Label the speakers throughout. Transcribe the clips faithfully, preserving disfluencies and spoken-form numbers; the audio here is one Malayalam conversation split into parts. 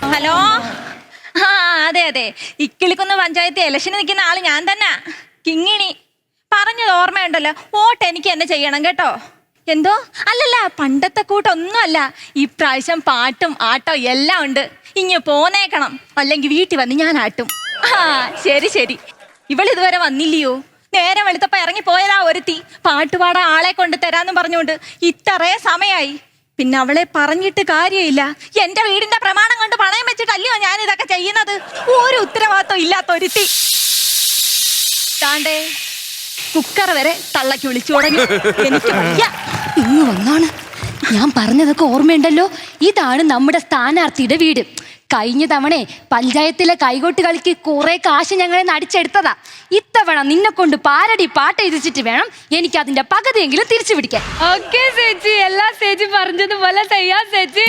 Speaker 1: ഹലോ. ആ അതെ അതെ, ഇക്കിളിക്കുന്ന പഞ്ചായത്ത് ഇലക്ഷന് നിൽക്കുന്ന ആള് ഞാൻ തന്നെ, കിങ്ങിണി. പറഞ്ഞത് ഓർമ്മയുണ്ടല്ലോ, വോട്ട് എനിക്ക് എന്നെ ചെയ്യണം കേട്ടോ. എന്തോ അല്ലല്ല, പണ്ടത്തെ കൂട്ടൊന്നുമല്ല. ഇപ്രാവശ്യം പാട്ടും ആട്ടോ എല്ലാം ഉണ്ട്. ഇങ്ങ് പോന്നേക്കണം, അല്ലെങ്കിൽ വീട്ടിൽ വന്ന് ഞാൻ ആട്ടും. ആ ശരി ശരി. ഇവളിതുവരെ വന്നില്ലയോ? നേരെ വെളുത്തപ്പ ഇറങ്ങി പോയതാ ഒരുത്തി. പാട്ടുപാടാ ആളെ കൊണ്ട് തരാന്നും പറഞ്ഞുകൊണ്ട് ഇത്രേ സമയായി. പിന്നെ അവളെ പറഞ്ഞിട്ട് കാര്യമില്ല. എന്റെ വീടിന്റെ പ്രമാണം കൊണ്ട് പണയം വെച്ചിട്ടല്ലയോ ഞാൻ ഇതൊക്കെ ചെയ്യുന്നത്. ഒരു ഉത്തരവാദിത്വം ഇല്ലാത്ത ഒരുത്തി. താണ്ടേ കുക്കർ വരെ തള്ളക്കി വിളിച്ചു തുടങ്ങി. എനിക്ക് വയ്യ.
Speaker 2: ഇങ്ങ് വന്നാണ്. ഞാൻ പറഞ്ഞതൊക്കെ ഓർമ്മയുണ്ടല്ലോ. ഇതാണ് നമ്മുടെ സ്ഥാനാർത്ഥിയുടെ വീട്. കഴിഞ്ഞ തവണ പഞ്ചായത്തിലെ കൈകൊട്ട് കളിക്ക് കുറെ കാശ് ഞങ്ങളെ നടിച്ചെടുത്തതാ. ഇത്തവണ നിന്നെ കൊണ്ട് പാരടി പാട്ട് എഴുതിച്ചിട്ട് വേണം എനിക്ക് അതിന്റെ പകുതിയെങ്കിലും തിരിച്ചു പിടിക്കാൻ.
Speaker 3: ഓക്കേ ചേച്ചി, എല്ലാ ചേച്ചി പറഞ്ഞതുപോലെ ചെയ്യാം ചേച്ചി.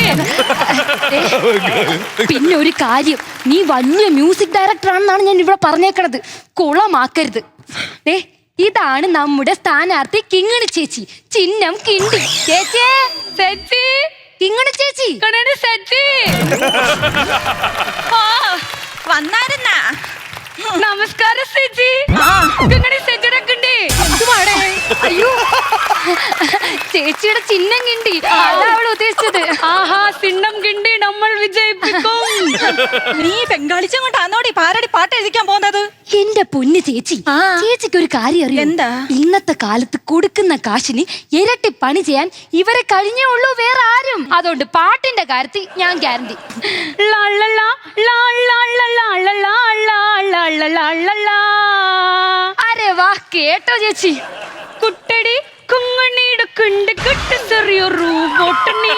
Speaker 2: പിന്നെ ഒരു കാര്യം, നീ വലിയ മ്യൂസിക് ഡയറക്ടർ ആണെന്നാണ് ഞാൻ ഇവിടെ പറഞ്ഞേക്കണത്. കുളമാക്കരുത്. ഏ ഇതാണ് നമ്മുടെ സ്ഥാനാർത്ഥി കിങ്ങിണി ചേച്ചി, ചിഹ്നം കിണ്ടി. ചേച്ചി
Speaker 3: ചേച്ചി
Speaker 2: കിങ്ങിണി ചേച്ചി
Speaker 3: ചേച്ചി
Speaker 1: വന്നായിരുന്നാ?
Speaker 3: നമസ്കാരം ചേച്ചി. കിങ്ങിണി ചേച്ചിയുടെ കിണ്ടി.
Speaker 2: അയ്യോ, ചേച്ചിയുടെ ചിഹ്നം കിണ്ടി, അതാ അവൾ ഉദ്ദേശിച്ചത്.
Speaker 3: ആഹാ, ചിഹ്നം കിണ്ടി നമ്മൾ വിജയിപ്പിക്കും.
Speaker 1: നീ ബംഗാളിച്ചും കൊണ്ടാന്നോടി പാരടി പാട്ട് എഴുതിക്കാൻ പോകുന്നത്?
Speaker 2: എന്റെ പൊന്ന് ചേച്ചി, ചേച്ചിക്ക് ഒരു കാര്യം അറിയാം.
Speaker 1: എന്താ?
Speaker 2: ഇന്നത്തെ കാലത്ത് കൊടുക്കുന്ന കാശിന് ഇരട്ടി പണി ചെയ്യാൻ ഇവരെ കഴിഞ്ഞേ ഉള്ളൂ, വേറെ ആരും. അതുകൊണ്ട് പാട്ടിന്റെ കാര്യത്തിൽ ഞാൻ ഗ്യാരണ്ടി. അരെ വാ, കേട്ടോ ചേച്ചി?
Speaker 3: കുട്ടടി കുങ്ങണിയുടെ കുണ്ട് കിട്ട് ചെറിയൊരു ബോട്ടണി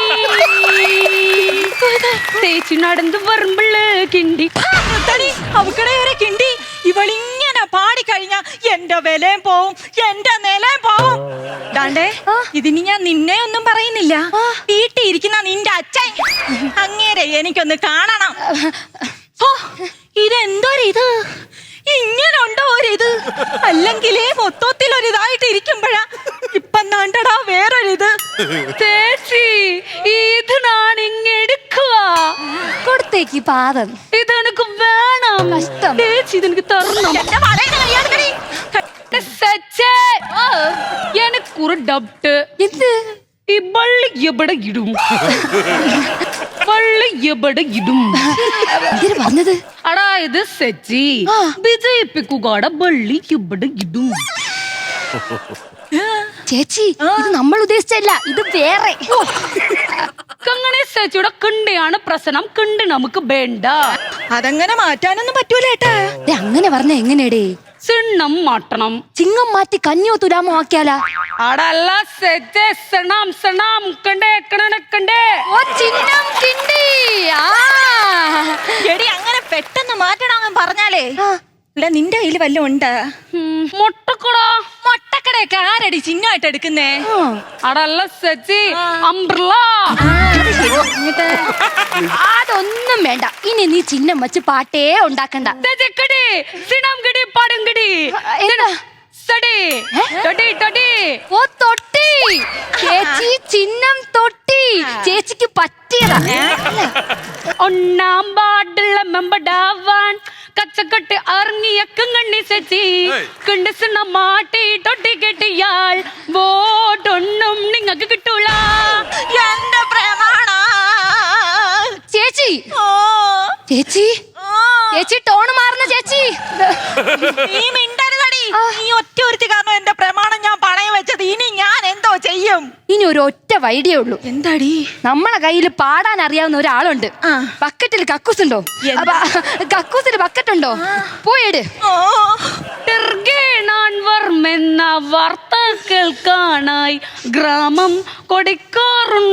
Speaker 3: ചേച്ചി നടന്നു വരുമ്പള് കിണ്ടി
Speaker 1: അവക്കടെ വരെ കിണ്ടി. ഇവളിങ്ങനെ പാടിക്കഴിഞ്ഞാ എന്റെ വിലയും പോവും, എന്റെ നിലയും പോവും. ദാണ്ടേ, ഇതിന് ഞാൻ നിന്നെ ഒന്നും പറയുന്നില്ല. വീട്ടിൽ ഇരിക്കുന്ന നിന്റെ അച്ഛൻ അങ്ങേരെ എനിക്കൊന്ന് കാണണം. ഓ ഇതെന്തൊരിത്, ഇങ്ങനെ ഉണ്ടോ ഒരിത്? അല്ലെങ്കിലേ മൊത്തത്തിൽ ഒരിതായിട്ട് ഇരിക്കുമ്പോഴാ ഇപ്പം നാണ്ടടാ വേറൊരിത്.
Speaker 3: ചേച്ചി ഇത് ഞാൻ ഇങ്ങെടുക്കുക
Speaker 2: കൊടുത്തേക്ക് പാദം.
Speaker 3: ഇതെനിക്ക് വേണം.
Speaker 2: കഷ്ടം.
Speaker 3: ചേച്ചി ഇതെനിക്ക് തരണം. എനിക്കൊരു ഡൗട്ട്.
Speaker 2: എന്ത്?
Speaker 3: ഈ വള്ളി എവിടെ ഇടും? വള്ളി എവിടെ ഇടും?
Speaker 2: എന്തിനു പറഞ്ഞത്?
Speaker 3: അതായത് സച്ചി വിജയിപ്പിക്കുകയുടെ വള്ളി എവിടെ ഇടും?
Speaker 2: ചേച്ചി, ഇത് നമ്മൾ ഉദ്ദേശിച്ചല്ല, ഇത് വേറെ.
Speaker 3: കങ്ങനെ ചേച്ചിയുടെ കിണ്ടിയാണ് പ്രശ്നം. കിണ്ടി നമുക്ക് വേണ്ട.
Speaker 1: അതങ്ങനെ മാറ്റാനൊന്നും പറ്റൂലേട്ടാ.
Speaker 2: അങ്ങനെ പറഞ്ഞ എങ്ങനെയടേ?
Speaker 3: ചിഹ്നം മാറ്റണം.
Speaker 2: ചിങ്ങം മാറ്റി കഞ്ഞിയോ തുലാമോ ആക്കിയാലാ?
Speaker 3: അടല്ല സെറ്റ് സണം സണം കണ്ടേ കണക്കണ്ടേ.
Speaker 2: ഓ ചിഹ്നം കിണ്ടി. ആ
Speaker 1: എടി, അങ്ങനെ പെട്ടെന്ന് മാറ്റണമെന്ന് പറഞ്ഞാലേ ഇല്ല, നിന്റെ കയ്യിൽ വല്ലതും ഉണ്ട്?
Speaker 3: മുട്ടക്കട.
Speaker 1: മുട്ടക്കടയൊക്കെ ആരടി ചിഹ്നമായിട്ട് എടുക്കുന്നേ?
Speaker 3: അടല്ല സെച്ചി അംബ്രല.
Speaker 2: അതൊന്നും വേണ്ട. ഇനി നീ ചിഹ്നം വെച്ച് പാട്ടേ ഉണ്ടാക്കണ്ട.
Speaker 3: ചിഹ്നം കിടി പാടും കിടി.
Speaker 2: ഓ തൊട്ടി. ചേച്ചി ചിഹ്നം തൊട്ടി. ചേച്ചിക്ക് പറ്റിയതാ.
Speaker 3: ഒന്നാം പാടുള്ള മെമ്പടാവാൻ കച്ചക്കെട്ട് ഇറങ്ങിയ കണ്ണി ചേച്ചി കണ്ടിസിന മാട്ടി തൊട്ടി കെട്ടിയാൽ വോട്ടൊന്നും നിങ്ങൾക്ക് കിട്ടൂല.
Speaker 1: എന്റെ പ്രമാണ
Speaker 2: ചേച്ചി. ചേച്ചി ചേച്ചി ടോണ് മാറുന്ന ചേച്ചി.
Speaker 1: നീ മിണ്ടരുതടി. നീ ഒറ്റ ഒരുത്തി കാരണം എന്റെ പ്രമാണം ഞാൻ പണയം വെച്ചത്. ഇനി ഞാൻ എന്തോ ചെയ്യും?
Speaker 2: ഇനി ഒരു ഒറ്റ വൈഡിയേ ഉള്ളൂ.
Speaker 1: എന്താടി?
Speaker 2: നമ്മളെ കയ്യിൽ പാടാൻ അറിയാവുന്ന ഒരാളുണ്ട്. ബക്കറ്റിൽ കക്കൂസ് ഉണ്ടോ? കക്കൂസിൽ ബക്കറ്റ് ഉണ്ടോ? പോയിട്.
Speaker 3: എന്ന വാർത്ത കേൾക്കാനായി ഗ്രാമം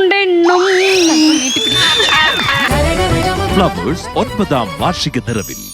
Speaker 3: കൊടുക്കാറുണ്ടെന്നും.
Speaker 4: ഫ്ലവേഴ്സ് ഒൻപതാം വാർഷിക നിറവിൽ